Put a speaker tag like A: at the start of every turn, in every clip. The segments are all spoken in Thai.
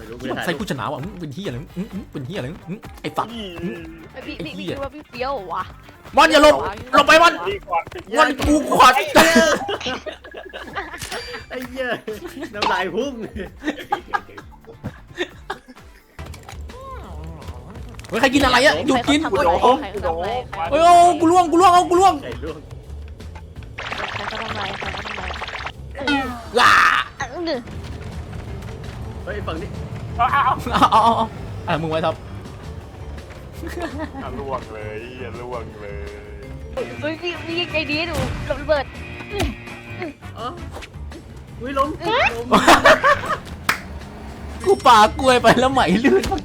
A: ใส่กูชนะว่ะเป็นเฮียอะไรเป็นเฮียอะไรไอ้ฝัก
B: พี่คิดว่าพี่เฟี้ยววะ
A: วันอย่าหลบไปวันกูขอด
C: ไอ้เหี้ยน้ำลายพุ่ง
A: เฮ้ยใครกินอะไรอะหยุดกิน
B: ใครเขาทำอะไร
A: เฮ้ยโอ้กูล่วงเอากูล่วง
C: ไก่ล่วง
B: ใครเขาทำอะไรใครเขาทำอะไร
A: ล่า
C: เฮ้ยฝั่งนี้
A: เอามึงไว้ท็อป
D: ล่วงเลยล่วงเลย
B: เฮ้ยพี่ยังใจดีดูระเบิด
C: อ๋ออุ้ยล้ม
A: กูปากล้วยไปแล้วไหมลื่น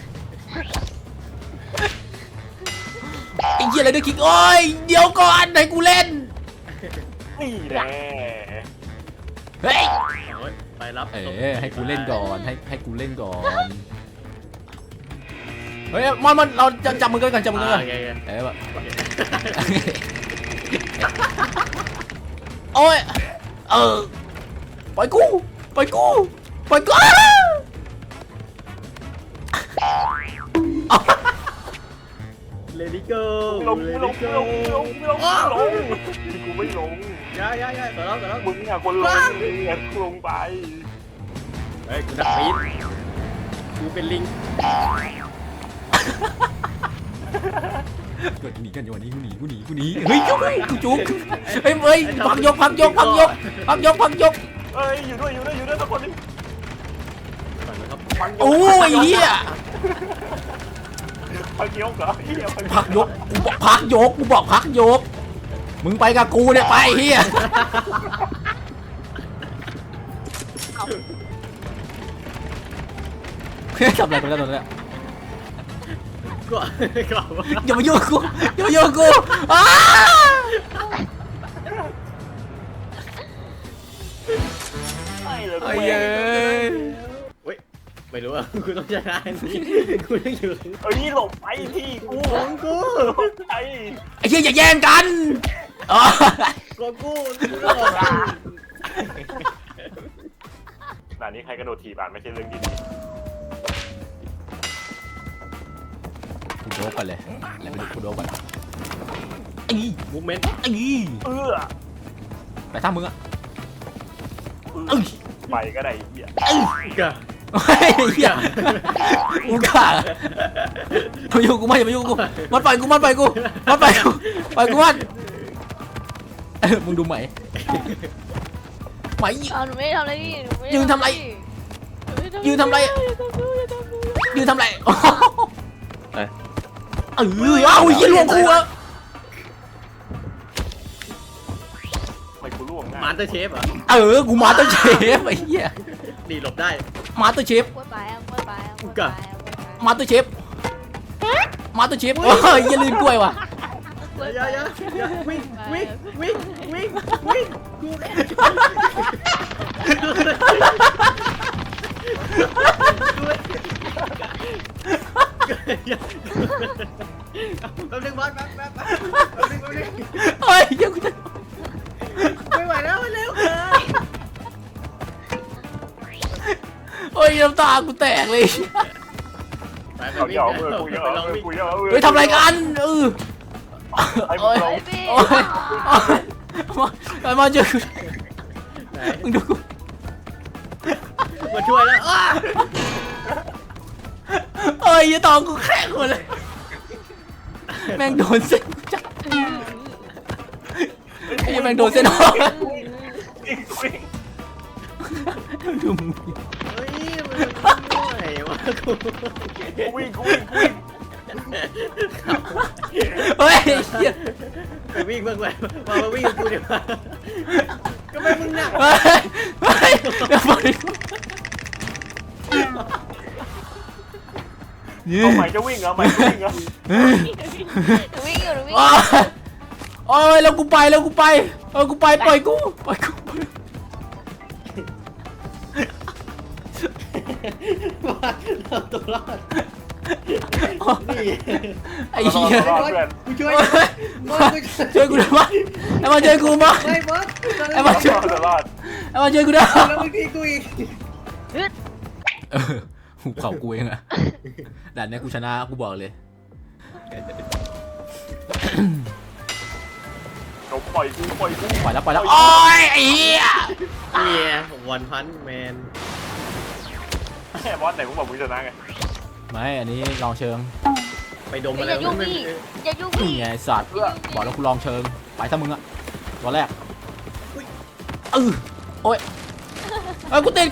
A: ไอ้เหี้ยอะไรด้วยคิกโอ้ยเดี๋ยวก่อนให้กูเล่น
D: นี่แน่
A: เฮ้ย
C: ไปรับ
A: ให้กูเล่นก่อนให้กูเล่นก่อนเฮ้ยมันเราจับมือกันจับมือกันแบบโอ้ยปล่อยกู
C: เลดี้โก้
D: ลงกูไม่ลง
C: ย่าต่อแล้ว
D: มึงอ่ะคนลงลงไป
C: เฮ้ยกูดักปี๊ดกูเป็นลิง
A: เกิดหนีกันอยู่วันนี้กูหนีเฮ้ยกูจุกเฮ้ยพักยก
D: เอ้ยอยู่ด้วยทุกคนนี่
A: โอ้ยเหี้ย
D: พักยกเหรอ
A: พักยกกูบอกพักยกมึงไปกับกูเนี่ยไปเหี้ยทำอะไรกันแล้วตอนนี้
C: ก็
A: อย่ามายุ่งกูอ้า
D: ไอ้เลย
A: ไอ้เย้ย
C: เฮ้ยไม่รู้อ่ะกูต้องชนะนี่กูต้องอยู่
D: เอ้ยหลบไปที่กู
C: ของกู
D: ไอ้
A: ไอ้เหี้ยอย่าแย่งกัน
C: ของกู
D: ด่านนี้ใครกระโดดถีบอ่านไม่ใช่เรื่องที่ดี
A: กูโดนก่อนเลยแล้วไปดูกูโดนก่อนไอ้
C: มูฟเมนต์
A: ไปท่ามึงอะ
D: ไปก็ได้เหี้ย
C: กะ
A: เฮ้ยเหี้ยกูกล้าอย่ามายุ่งกูมันปล่อยกูมันมึงดูไหม
B: หนูไม่ทำอะไรพี่
A: ยืนทำไรเหี้ยลวงกูอะ
D: ไปกูล่วงง่าย
C: มาสเตอร์เชฟเหรอ
A: กูมาสเตอร์เชฟไอ้เหี้ย
C: ดีหลบได้
A: มาสเตอร์เชฟมาสเตอร์เชฟโอ้ยอย่าลืมกล้วยว่ะ
C: อย่าวิ่งกูแป๊บนึงบอสแป๊บ
A: เฮ้ยเดี๋ยวกูจะ
C: ไม่ไหวแล้วเร็ว
A: เฮ้ยน้ำตากูแตกเลย
C: ไป
D: เอาเยอะกูเยอะ
A: เฮ้ยทำอะไรกัน
D: ไอ้มึงลง
A: โอ้ยมาเจอกูมึงดูกู
C: มาช่วยแล้ว
A: เฮ้ยอย่าตองกูแข็งหมดเลยแม่งโดนเส้นจับไอ้แม่งโดนเส้นออกดูมึง
C: เฮ้ยมันไหววะกู
D: วิ่ง
A: เฮ้ยเฮีย
C: ไปวิ่งเพิ่งไปมาวิ่งกูเดี๋ยวก็ไม่มึงหนัก
A: เฮ้ยเดี๋ยวไป
D: เอาใหม่จะวิ่งเหรอ
A: โอ้ยแล้วกูไปปล่อยกู
C: เราตัวรอดนี่
A: ไอ้เหี้ย
C: กูช่วย
A: ช่วยกูด้วยมั้ยไอ้มาช่วยกูมั้ย
C: ไม่บอส
A: ไอ้มาช่วยกูด้วย
C: แล้วบางทีกูอีก
A: หุบเข่ากูเองอะด่านเนี้ยกูชนะกูบอกเลย
D: เราปล่อยกู
A: ปล่อยแล้วโอ้ยไอ้เหี้ย
C: เนี่ยวันพันแมน
D: แค่บอสไหนมึงบอกมึงชนะไง
A: ไม่อันนี้ลองเชิง
C: ไปดม
B: ไม่
C: อะไร
B: อย่ายุ่งพี่อย่ายุ่ง
A: นี่
B: พี่
A: ไงไอ้สัตว์บอกแล้วกูลองเชิงไปถ้ามึงอะตัวแรกโอ้ยกูติด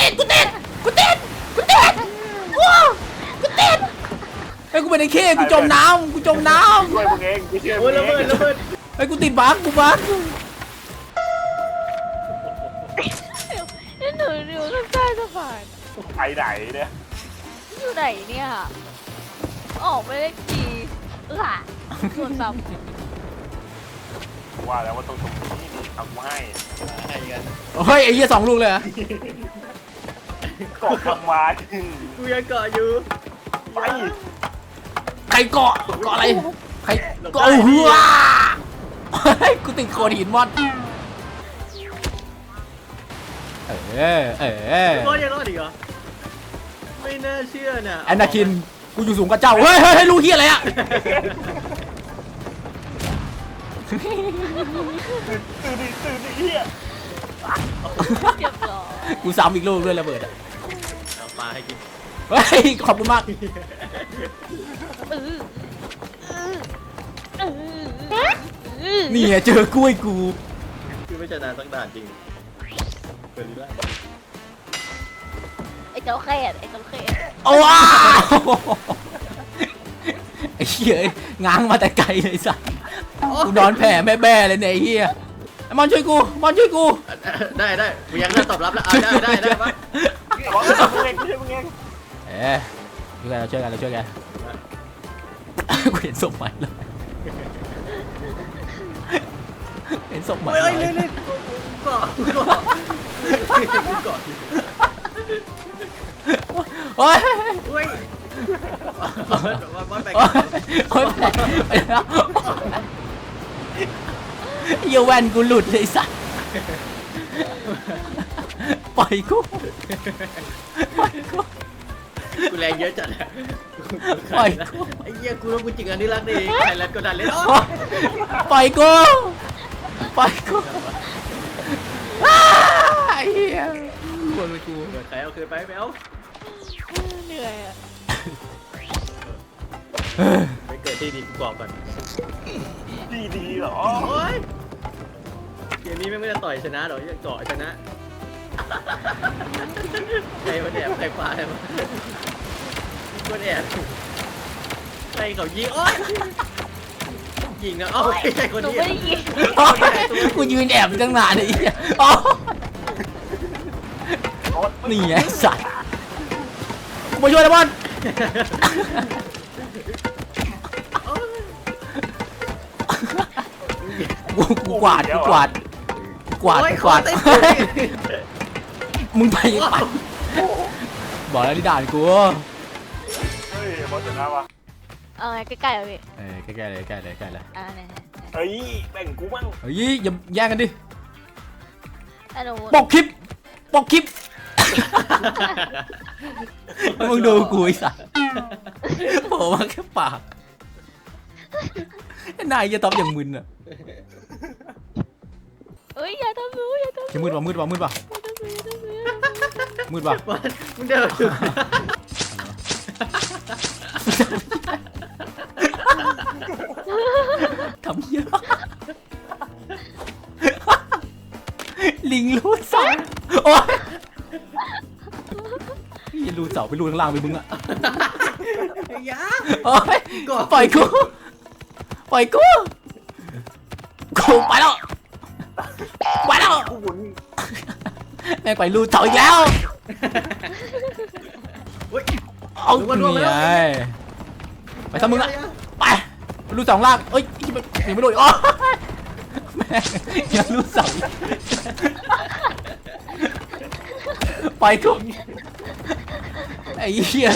A: ไอ้กูเป็นไอ้เข้กูจมน้ำ
D: ช่วยมึงเองกูช่วยมึ
C: โอ้ย
D: ง
C: ระเบิด
D: เอง
C: ระเบิด
A: ไอ้กูติดบั๊ก
B: หนูข้างใต้สะพาน
D: ไปไหนเนี่ย
B: อยู่ไหนเนี่ยออกไม่ได้ทีส่วนซ้
D: ว่าแล้วว่าต้องตรงนี้นี่ทำให้
C: อะไรกัน
A: เฮ้ยไอ้เหี้ย2 ลูกเลยอะ
D: กอกทำมา
C: กูยังเกาะอยู่
D: ไป
A: ใครเกาะอะไรใครเกาะหัวกูติดโคดหินมอน
C: รอดยังรอดอีกเหรอไม่น่าเชื่อน่ะ
A: แอนนาคินกูอยู่สูงกว่าเจ้าเฮ้ยลูกเหี้ยอะไรอะ
D: ตื่นเฮีย
B: ำเรียบร้อย
A: กูซ้ำอีกลูกด้วยระเบิดอะ
C: เอาปลาให้กิน
A: เฮ้ยขอบคุณมาก นี่ไงเจอกล้วยกู
C: คือไม่ชนะสักด่านจริงเปิดดีละ
B: ไอ้เจ้าแค่ไอ้เจ้าแค่
A: โอ้ว้าวไอ้เหี้ยง้างมาแต่ไกลเลยสัสกูนอนแผ่แม่เลยเนี่ยไอ้เหี้ยไอ้มอนช่วยกู
C: ได้กูยังน่าตอบรับแล้วได้ปะ
D: บอกมึงเองช่วยมึงเอง
A: ช่วยกันกูเห็นศพใหม่เลยเห็นศพใหม่
C: เฮ้ยเล่นเกาะ
A: โอ้ย
C: เฮ้ยวันไป
A: โอ้ยไปแล้วเหี้ยแว่นกูหลุดเลยสัสปล่อยกู
C: กูแรงเยอะจัดไอ้เหี้ยกูรู้กูจริงอันนี้รักดีใครรักก็ดันเล่น
A: ปล่อยกูไอ้เหี้ยกวนไปกู
C: เกิดใครเอาคืนไปไม่เอา
B: เหนื่อยอะ
C: ไปเกิดที่ดีกูกรอบก่อน
D: ดีเหรอ
C: โอ้ยเกมนี้ไม่ได้ต่อยชนะหรอกจะเกาะชนะใครมาแอบใครปลาใครมาคนแอบใครเขายิงโอ๊ยยิงนะเอ้าไม่ใช่คน
B: หนู
C: นี้
B: ไม่ได้ยิน
A: กูยืนแอบอยู่ตั้งนานเลยไอ้เหี้ยอ๋อนี่ไงสัตว์กูมาช่วยนะบอลกูกวาดมึงไปบอกแล้วที่ด่านกู
D: เฮ้ยบอสชนะวะ
B: เอาไงใกล้ๆเอาพี่
A: ใกล้เลย
B: เนี่ย
D: เฮ้ยแบ่งกูบ้าง
A: เฮ้ยอย่าแย่งกันดิ
B: ไอ้หนู
A: ปกคลิปมึงดูกูไอ้สัสโผล่มาแค่ปากนายจะตอบอย่างมึนอ่ะ
B: เอ้ยอย่าทำหนูอย่าทำหนู
A: จะมืดป่ะ
B: อย่าทำหนู
C: มึงเดินอยู่
A: ทำเยอะลิงรูดเสาโอ้ยอย่ารูดเสาไปรูดข้างล่างไปมึงอ่ะ
C: ยา
A: โอ้ยปล่อยกูไปแล้ว
D: กูหมุน
A: แม่งไปรูดเสาอีกแล้วเอานี่ไงไปทำมึงละไปรูด2 ล่างเอ้ยยังไม่โดนอ๋อแม่งยังรูดเสาไปกูไอ้เหี้ย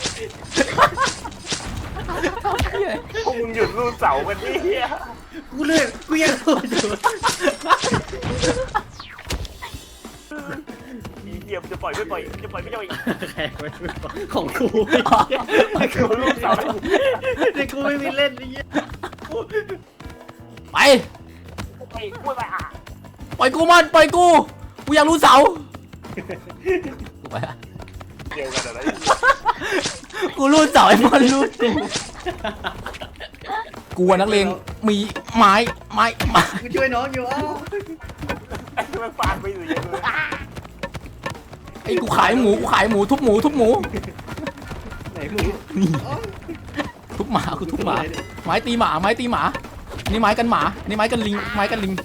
D: พวกมึงหยุดรูดเสากันดิเฮีย
C: กูยังรู้อยู่
D: เยี่ยมจะปล่อยไม่ปล่อยจะปล่อยไม่จะปล่อย
C: ใครไม่ของกูกูลูกสาวนี่กูไม่มีเล่นนี่
A: ไป
D: ไปพูดไปอ่ะ
A: ปล่อยกูมันปล่อยกูอยากรู้เสากูไปละ
D: เดียวกันอะไร
A: กูรู้เสาไอ้มอนรู้กูนักเลงมีไม้
C: กูช่วยน้องอยู่อ้าว
D: ไอ้มันฟาดไปอยู่อย่างเลย
A: ไอ้กูขายหมูทุบหมู
C: ไหนมึง
A: นี่ทุบหมากูทุบหมาไม้ตีหมานี่ไม้กันหมานี่ไม้กันลิงไม้กันลิง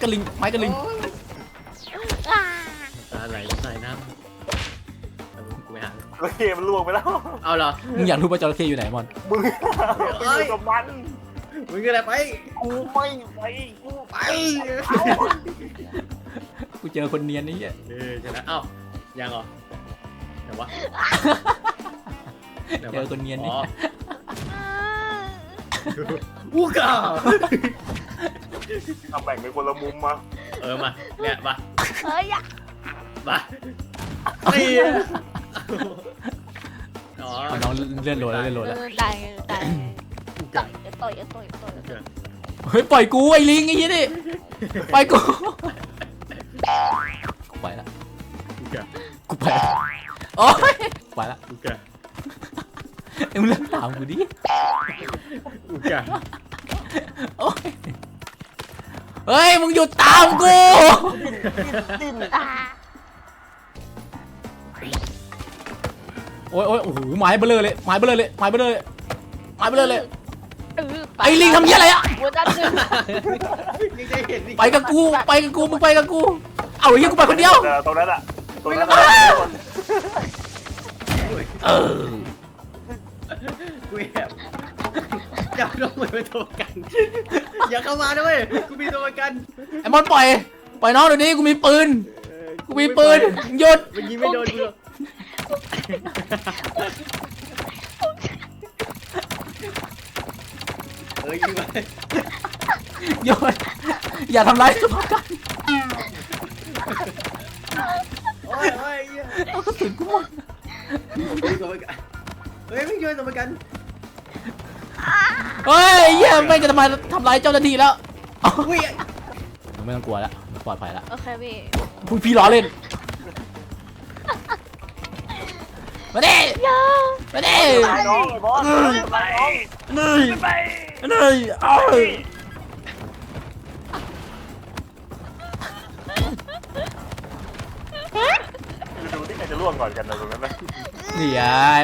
C: อะไรใส่น้ำกูไปหา
D: โอเคมันล่วงไปแล้ว
C: เอาเหรอ
A: มึงอยากรู้ว่าจระเข้อยู่ไหนมอน
D: มึงไปอยู่กับมัน
C: มึงก็อะไรไป
D: กูไม่ไปกู
C: ไป
A: กูเจอคนเนียนนี่อ่ะ
C: ชนะเอ้ายังเหรอไหนวะ
A: เจอคนเนียนนี่
C: อูกา
D: ทำแบ่งเป็นคนละมุมมา
C: มาเนี่ยมา
B: เฮ้ยอะ
C: มาตีอ๋อ
A: น้องเลื่อนโหลดแล้ว
B: ตายต่อย
A: เฮ้ยปล่อยกูไอ้ลิงไอ้ยี่นี่ปล่อยกูไปละกูไปละโอ๊ยไปละ
C: อูกา
A: เอ็มเลิกถามกูดิ
C: อูกา
A: โอ๊ยเฮ้ยมึงหยุดตามกู โอ้ยโอ้โหไม้เบลอเลยไอ้ลิงทำเหี้ยอะไรอะ
B: หัวด้านหนึ่ง
C: ยังได้เห็นอีก
A: ไปกับกูมึงไปกับกูเอาไอ้เหี้ยกูไปคนเดียว
D: ตรงนั้นอ่ะตรงนั้น
A: เออ
C: กูแอบจับน้องเหมือนเป็นตัวประกันอย่าเข้ามาด้วยกูมีตัวประกัน
A: ไอ้มอนปล่อยน้องเดี๋ยวนี้กูมีปืนหยุด
C: มันยิงไม่โดนกูหรอกยิงไป
A: หยุดอย่าทำร้ายสุภาพกัน
C: โอ้ย
A: เอากระสุนกูหมด
C: มีตัวประกันเฮ้ยไม่ช่วยตัวประกัน
A: เฮ้ยไอ้เหี้ยไม่จะทำร้ายเจ้าหน้าที่แล้ว
C: อุ้ย
A: มึงไม่ต้องกลัวแล้วปลอดภัยแล้ว
B: โอเคพี่
A: พี่ล้อเล่นมาดิ
B: อย่า
A: มาดิ
D: ตายน้องไอ้บอสตายน้อง
A: นี่
D: ไป
A: นี่เอ้ย
D: ดูที่ใครจะล่วงก่อนกันนะตรงนั้นนะ
A: นี่ไง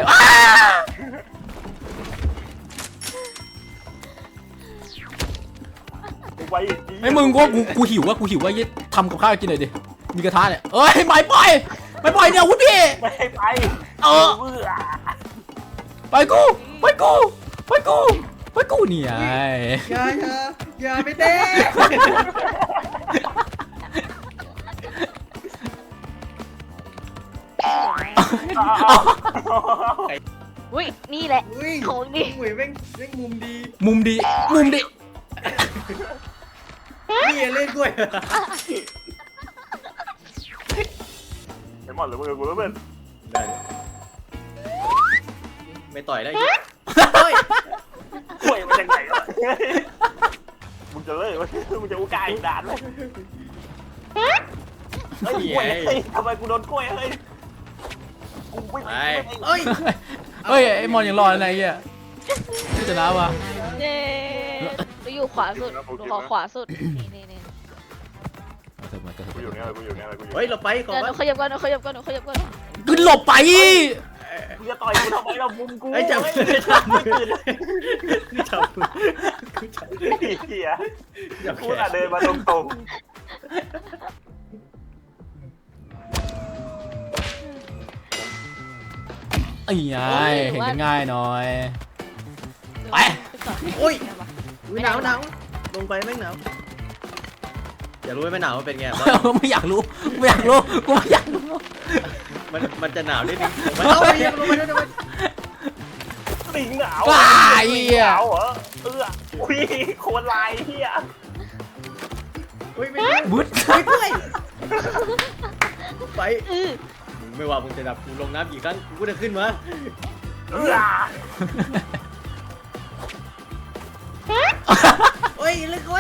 D: ไปอีก
A: ไอ้มึงกูหิวว่ายี่ทำกับข้าวกินหน่อยดิมีกระทะเนี่ยเอ้ยไม่ปล่อยเนี่ยวุ้นพี่
D: ไม่ให้ไป
A: ไปกูนี่ไง
C: อย่าไม่เต้
B: อุ้ยนี่แหละ
C: อุ้ย
B: ของดี
C: หวยแม่งมุมดี
A: มุมดี
C: นี่เล่นกล้วย
D: ไอ้หมอนหรือมึงกูแล้วเพื่อน
C: ได้ไม่ต่อยได้เฮ้ย
D: กล้วยมันยังไงวะมึงจะเลิกมึงจะอุกาอีกด่านเลยเฮ้ยกล้วยทำไมกูโดนกล้วยเฮ้ยกูไม่
C: ไปเฮ้ย
A: เฮ้ยไอ้มอนยังรอดอะไรเงี้ยที่จะนะวะ
B: เย้เราอยู่ขวาสุดหนูขอขวาสุดนี่
D: กูอยู่เนี่ยกูอยู่เนี่ย
C: เฮ้ยเราไปก่อน
B: เดี๋ยวหนูขยับก่อน
A: กูหลบไป
D: กูจะต่อยกูทำไมเรามุมกู
C: ไอ้จับ
D: ไม่
C: จับมือ
D: ตื่น
C: จับมือจับ
D: เหี้ยกูอ่ะเดินมาตรง
A: ไอ้ไงเห็นกันง่ายหน่อยไป
C: โอ้ยหนาวลงไปแม่งหนาวอยากรู้ไหมหนาวมันเป็นไง
A: ไม่อยากรู้กูไม่อยากรู้
C: มันจะหนาวนิดนึงมันเอาไปลงไปด้วย
D: ติงหนาว
A: ว้า
D: ห
A: เหี้ย
D: นาวเหรออุ้ยโคนลายเหี้ย
C: อุ้ยไม่
A: บึ้ด
C: ไปไม่ว่ามึงจะดับกูลงน้ำกี่ครั้งกูก็จะขึ้นมา โอ้ยเลยโอ้ย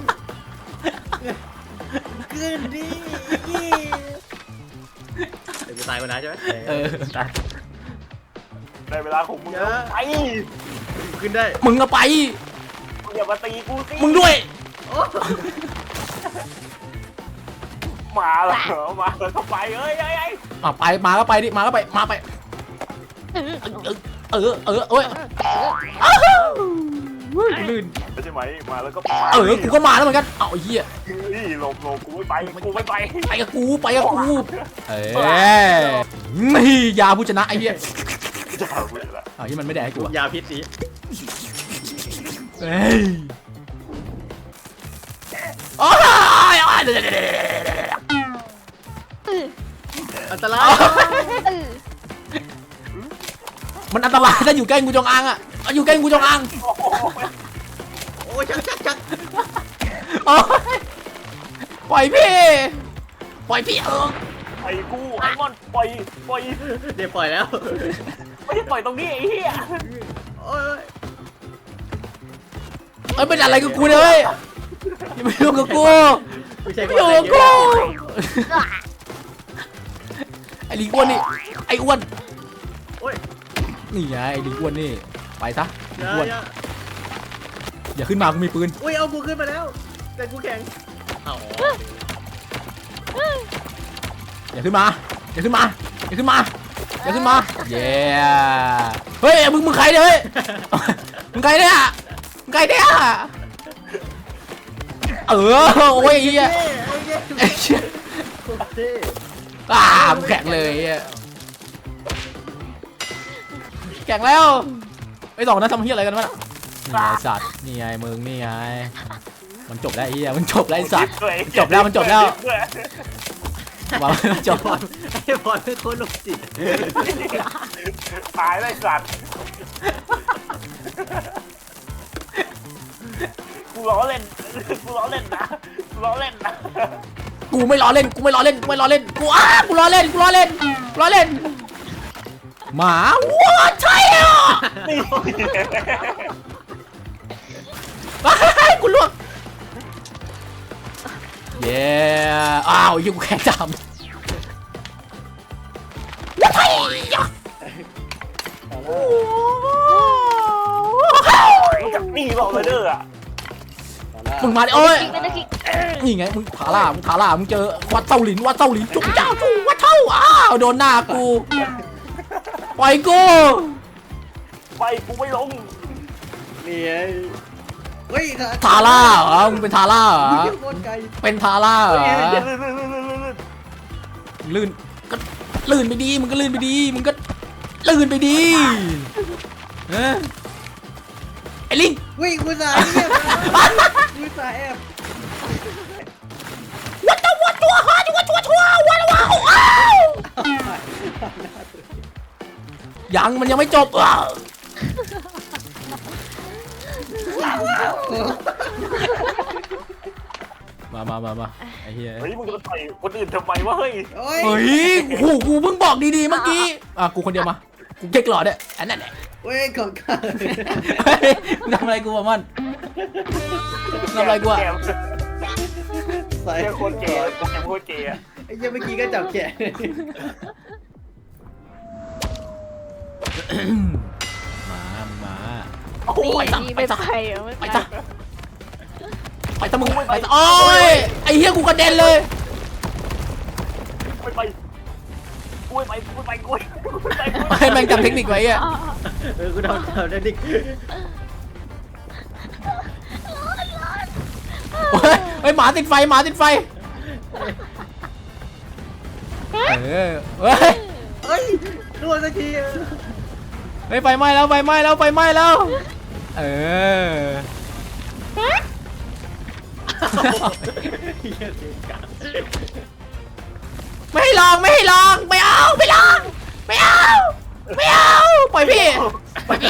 C: ขึ้นดิเดี๋ยวกูตายก่อนนะใช่ไหม
A: ตาย
D: ได้เวลาของมึงแล้วไป
C: ขึ้นได้
A: มึงก็ไป
D: มึงอย่ามาตีกูสิ
A: มึงด้วย
C: โอ้
D: มาแล้วมาแล้วก็ไปเอ้ย
A: ไปมาก็ไปดิมาก็ไปมาไปเอ้ยลื่น
D: ไม่ใช่ไหมมาแล้วก็ไป
A: กูก็มาแล้วเหมือนกันเอาไอ้เหี้ย
D: นี่หลบกูไม่ไปกูไม่ไป
A: ไปกับกูนี่ยาผู้ชนะไอ้เหี้ย
D: จะหากูละ
A: เอาที่มันไม่ได้ให้กู
C: ยาพิษสิ
A: เฮ้ยโอ้ย
C: อันตราย
A: มันอันตรายถ้าอยู่ใกล้งูจงอางอ่ะอยู่ใกล้งูจงอาง
C: โอ้ยชัก
A: ปล่อยพี่
D: ปล่อยกูไอ้มอนปล่อย
C: เดี๋ยวปล่อยแล้ว
D: ไม่ใช่ปล่อยตรงนี้ไอ้เหี้ย
C: โอ้ย
A: เป็นอะไรกับกูเลยอย่าไปยุ่งกับกู
C: ไม่ใช่
A: ไม่ยุ่งกับกูไอ้ลิงอ้วนนี่ไอ้อ้วน
C: โอ้ย
A: นี่ไงไอ้ลิงอ้วนนี่ไปซะลิงอ้วน
C: อย่า
A: อย่าขึ้นมากูมีปืน
C: อุ้ยเอากูขึ้นมาแล้วแต่กูแข็งเอา
A: อย่าขึ้นมาอย่าขึ้นมาอย่าขึ้นมาอย่าขึ้นมาเย้เฮ้ยมึงใครเนี่ยเฮ้ยมึงใครเนี่ยมึงใครเนี่ยโอ้ยไอ้เหี้ยไอ้เหี้ยมึงแข็งเลยแข็งแล้วไอ้สองนั้นทำเหี้ยอะไรกันวะนี่ไงสัตว์นี่ไงมึงนี่ไงมันจบแล้วไอ้เหี้ยมันจบแล้วไอ้สัตว์จบแล้วมันจบแล้วว่าจบ
C: ไอ้บอลเป็นคนโรคจิต
D: ตายได้สัตว์กูล้อเล่นนะกูล้อเล่นนะ
A: กูไม่ล้อเล่นกูล้อเล่นกูล้อเล่นหมาว้าใช่อ่ะ
D: นี่
A: กูล่วงเย้อ้าวยิ่งกูแข็งจำว้าย
D: นี่บอกเลยเด้ออ่ะ
A: มึงมาดิโอ้ย
B: เป็นตะคิก
A: นี่ไงมึงขาล่ามึงเจอวัดเต้าหลินจุ๊บเจ้าจูวัดเท่าอ้าวโดนหน้ากูปล่อยกู
D: ไปกูไม่ลง
C: นี่ไงเฮ้ย
A: ทาร่าเหรอมึงเป็นทาร่าเหรอ
C: โคตรไกล
A: เป็นทาร่าเหรอ
D: ลื่น
A: ลื่นก็ลื่นไปดีมึงก็ลื่นไปดีมึงก็ลื่นไปดีไอ้ลิง
C: วิ่งกูสายเงียบกูสายแอบ
A: วัดตัวฮะวัดว้าวยังมันยังไม่จบมาไอ้เหี้ย
D: เฮ้ยมึงจะต่อยคนอื่นทำไมวะเฮ้ย
A: เฮ้ยโอ้โหกูเพิ่งบอกดีๆเมื่อกี้กูคนเดียวมากูเก๊กหลอดเนี่ยอันนั้นแหละ
C: เว้ยของข้า
A: ทำอะไรกูวะมันทำอะไรกูอะ
C: ใส่
D: ไอ้คนแก่โคตรแก่
C: ไอ้เมื่อกี้ก็จับแขน
A: มา
B: นี่
A: ไป
B: นี่
A: ไป
B: ไม่
A: ซะ
B: ไปเหรอไม่
A: ไป
B: ไป
A: ซะไปซะมึงไปซะโอ้ยไอ้เหี้ยกูกระเด็นเลย
D: ไม่ไปกูไม่ไปกู
A: ให้แม่งจำเทคนิคไว้อะ
C: กูทำได้ดิ
A: เฮ้ยหมาติดไฟเฮ้ย
C: เฮ้ยรัวสักที
A: ไฟไหม้แล้วเออไม่ให้ลองไม่เอาปล่อยพี่ไปนี่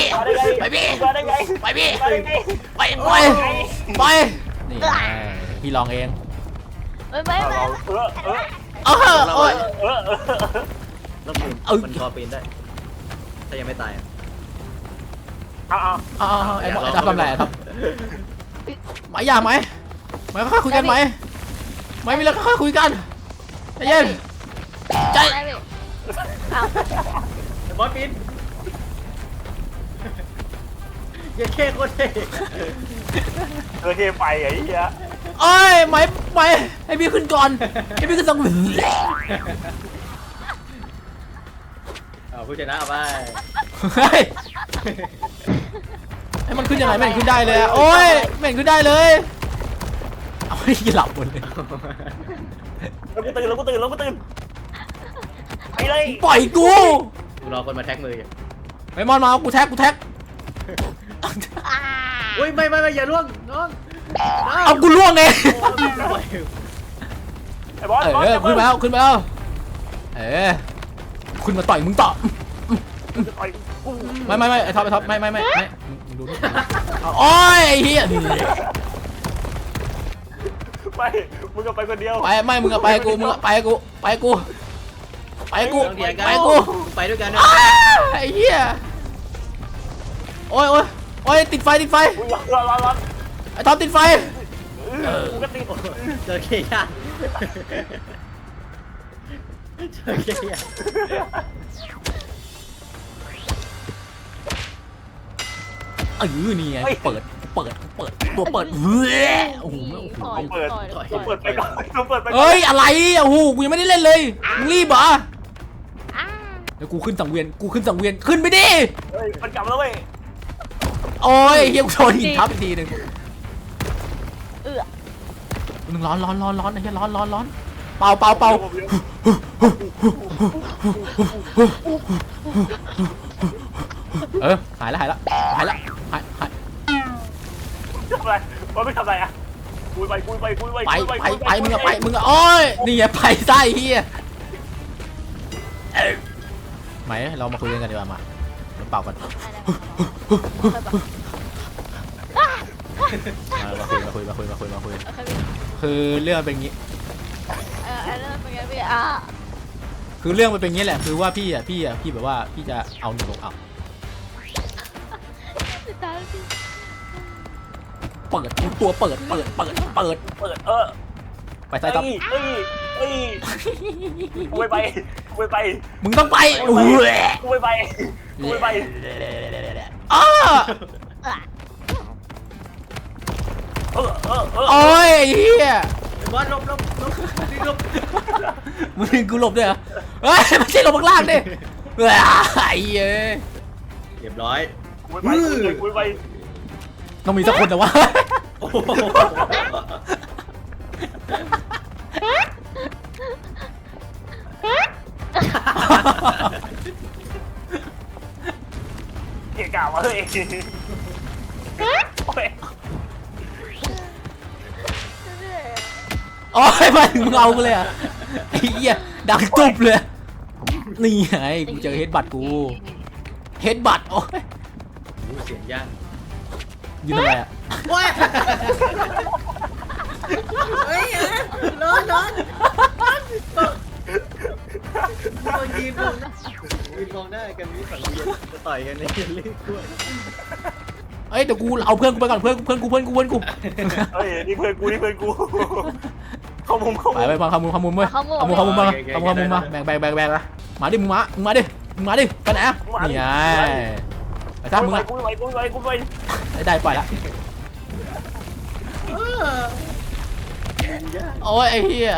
A: พี่ลองเอง
B: ไม่
D: โอ้ย
A: โอ้ย
C: ต้องปีนมันพอปีนได้ถ้ายังไม่ตาย
D: เอา
A: ไอ้ทับทำไรครับไหมอย่าไหมค่อยคุยกันไหมมีอะไรค่อยคุยกันใจเย็นใจ
B: ได้พี่เอา
C: บอสปีนอย่าแค่คนเท่
D: เทไปไอ้เหี้ย
A: โอ้ยไหมให้พี่ขึ้นก่อนให้พี่ขึ้นสังเวียน
C: เอาผู้ชนะเอาไป
A: เฮ้ยให้มันขึ้นยังไงไม่เห็นขึ้นได้เลยโอ้ยไม่เห็นขึ้นได้เลยเอาให้หลับหมดเลย
D: แล้วกูตื่นไปเลย
A: ปล่อยกู
C: กูรอคนมาแท็กมืออยู่
A: ไอ้มอนมากูแท็ก
B: อ่า
C: อุ้ยไม่อย่าล่วงน้อง
A: เอากูล่วงเอง
D: ไอ้บอส
A: ขึ้นมาแล้วขึ้นมาต่อยมึงต่อไม่ไอ้ท็อปไม่มึงดูนี่โอ้ยไอ้เหี้ย
D: ไปมึงก็ไปคนเดียว
A: ไปไม่มึงอะไปกูไปกู
C: ไปด้วยกันนะ
A: ไอ้เหี้ยโอ้ยติดไฟ
D: ร้อน
A: ไอ้ท็อปติดไฟ
D: กูก็ติด
C: เจอเคียร์เจอเคียร์
A: นี่ไงเปิดตัวเปิดเฮ้ยโอ้โห
D: เปิดไปก่อนเปิดไปก่อน
A: เฮ้ยอะไรโอ้โหกูยังไม่ได้เล่นเลยมึงรีบเหรอ
B: อ่า
A: เดี๋ยวกูขึ้นสังเวียนขึ้นไปดิ
D: เฮ้ยมันกลับแล้วเว้ย
A: โอ้ยเฮียกูโดนหินทับอีกทีหนึ่ง มึงร้อนไอ้เหี้ยร้อนเป่าหายละ
D: ทำอะไรบอสไม่ทำอะไรอ่ะคุยไป
A: ไปมึงอะโอ้ยนี่ไงไปไส้เฮียไหมเรามาคุยกันดีกว่ามาเป่ากันมาคุยคือเรื่องเป็นงี้
B: อันนั้นเป็นไงพี่อ่ะ
A: คือเรื่องมันเป็นงี้แหละคือว่าพี่แบบว่าพี่จะเอาหนูลงเอา
B: ติดตามพี่
A: เปิดตัวเปิดไปใต้ตับ
D: กูไป
A: มึงต้องไปโอ้ย
D: กูไป
A: อ้า
D: โอ้
A: โอ้ยเฮีย
C: บอสลบนี่ลบ
A: มึงกูหลบด้วยเหรอเฮ้ยไม่ใช่หลบข้างล่างดิไอ้เย้ย
C: เรียบร้อย
D: กูไป
A: ต้องมีสักคนแต่ว่า
C: โอ้โห
D: เกี่ยกล่าวมาเลยโอ้ย
A: โอ้ยมาถึงมึงเอากูเลยอ่ะไอ้เหี้ยดังตุบเลยนี่ไงกูเจอเฮดบัตโอ้ย
C: เสียงย่าง
A: ยืนทำไมอ่ะ
C: โอ้ยเฮ้ยร้อนยืนมองหน้ากันนี่ฝั่งเวียนจะต่อยกันในเรื่องกล้วย
A: เอ้ยเดี๋ยวกูเอาเพื่อนกูไปก่อนเพื่อนกู
D: เฮ้ยนี่เพื่อนกูเข้ามุม
A: ไปพามุมเว้ยเอามุมมาแบ่งละมาดิมึงมาดิไปไหนอ่ะนี่ไงไปตามมึงอ่ะ
D: กูไป
A: ได้ปล่อยละโอ้ยไอ้เหี้ย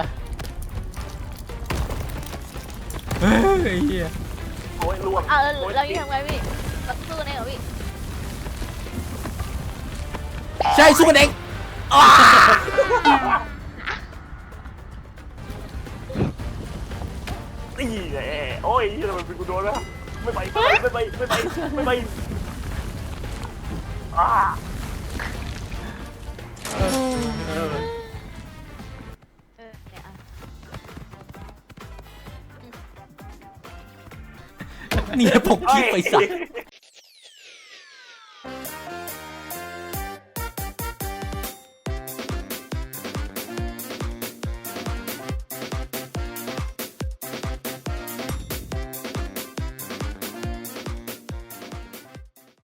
A: เฮ้ยไอ้เหี้ย
D: โอ้ยล่วง
B: เอาเรายังทำไงพี่สู้กันเองเหรอพี่
A: ใช่สู้กันเอง
D: นี่แหละโอ้ยทำไมเป็นกูโดนแล้วไม่ไปอ่า
B: เนี่ยอ่ะ
A: เนี่ยปกคลิปไปสัก